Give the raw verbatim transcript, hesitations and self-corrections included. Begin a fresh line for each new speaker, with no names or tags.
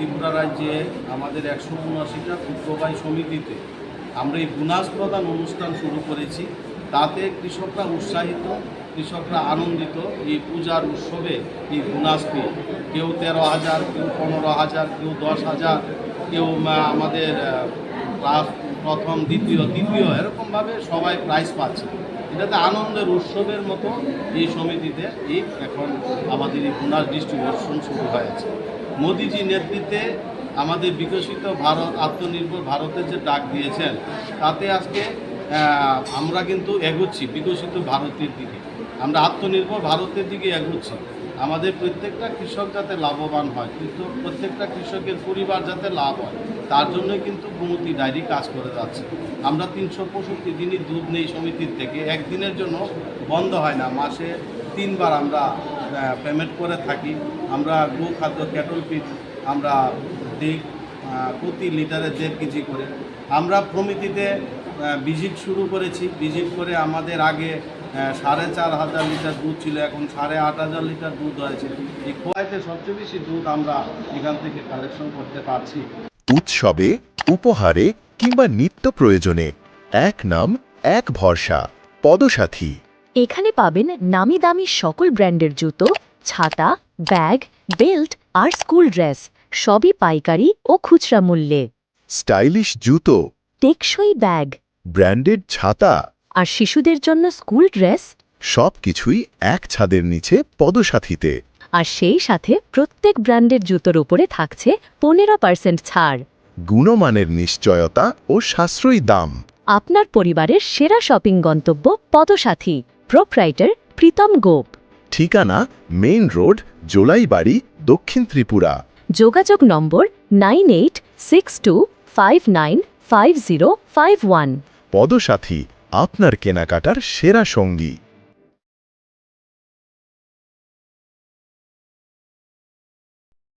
ত্রিপুরা রাজ্যে আমাদের একশো উনআশিটা ক্ষুদ্রবাহী সমিতিতে আমরা এই বোনাস প্রদান অনুষ্ঠান শুরু করেছি। তাতে কৃষকরা উৎসাহিত, কৃষকরা আনন্দিত এই পূজার উৎসবে এই বোনাস পেয়ে। কেউ তেরো হাজার, কেউ পনেরো হাজার, কেউ দশ হাজার, কেউ আমাদের ক্লাস প্রথম, দ্বিতীয়, তৃতীয় এরকমভাবে সবাই প্রাইজ পাচ্ছে। এটাতে আনন্দের উৎসবের মতো এই সমিতিতে এই এখন আমাদের এই বোনাস ডিস্ট্রিবিউশন শুরু হয়েছে। মোদিজি নেতৃত্বে আমাদের বিকশিত ভারত, আত্মনির্ভর ভারতের যে ডাক দিয়েছেন, তাতে আজকে আমরা কিন্তু এগোচ্ছি বিকশিত ভারতের দিকে, আমরা আত্মনির্ভর ভারতের দিকে এগোচ্ছি। আমাদের প্রত্যেকটা কৃষক যাতে লাভবান হয়, কিন্তু প্রত্যেকটা কৃষকের পরিবার যাতে লাভ হয়, তার জন্যই কিন্তু গোমতী ডায়েরি কাজ করে যাচ্ছে। আমরা তিনশো পঁয়ষট্টি দিনই দুধ নেই সমিতির থেকে, একদিনের জন্য বন্ধ হয় না। মাসে তিনবার আমরা পেমেন্ট করে থাকি। আমরা গো খাদ্য ক্যাটল ফিড আমরা দিই প্রতি লিটারে দেড় কেজি করে। আমরা প্রমিতিতে ভিজিট শুরু করেছি। ভিজিট করে আমাদের আগে সাড়ে চার হাজার লিটার দুধ ছিল, এখন সাড়ে আট হাজার লিটার দুধ হয়েছে। এই খোয়াইতে সবচেয়ে বেশি দুধ আমরা এখান থেকে কালেকশন করতে পারছি।
উৎসবে, উপহারে কিংবা নিত্য প্রয়োজনে এক নাম, এক ভরসা, পদসাথী।
এখানে পাবেন নামি দামি সকল ব্র্যান্ডের জুতো, ছাতা, ব্যাগ, বেল্ট আর স্কুল ড্রেস, সবই পাইকারি ও খুচরা মূল্যে।
স্টাইলিশ জুতো,
টেকসই ব্যাগ,
ব্র্যান্ডেড ছাতা
আর শিশুদের জন্য স্কুল ড্রেস,
সবকিছুই এক ছাদের নিচে পদসাথীতে।
আর সেই সাথে প্রত্যেক ব্র্যান্ডের জুতোর উপরে থাকছে পনেরো পার্সেন্ট ছাড়।
গুণমানের নিশ্চয়তা ও সাশ্রয়ী দাম।
আপনার পরিবারের সেরা শপিং গন্তব্য পদসাথী। প্রোপ্রাইটার প্রীতম গোপ।
ঠিকানা মেইন রোড, জোলাইবাড়ি, দক্ষিণ ত্রিপুরা।
যোগাযোগ number nine eight six two five nine five zero five one.
Padasathi, আপনার কেনাকাটার সেরা সঙ্গী।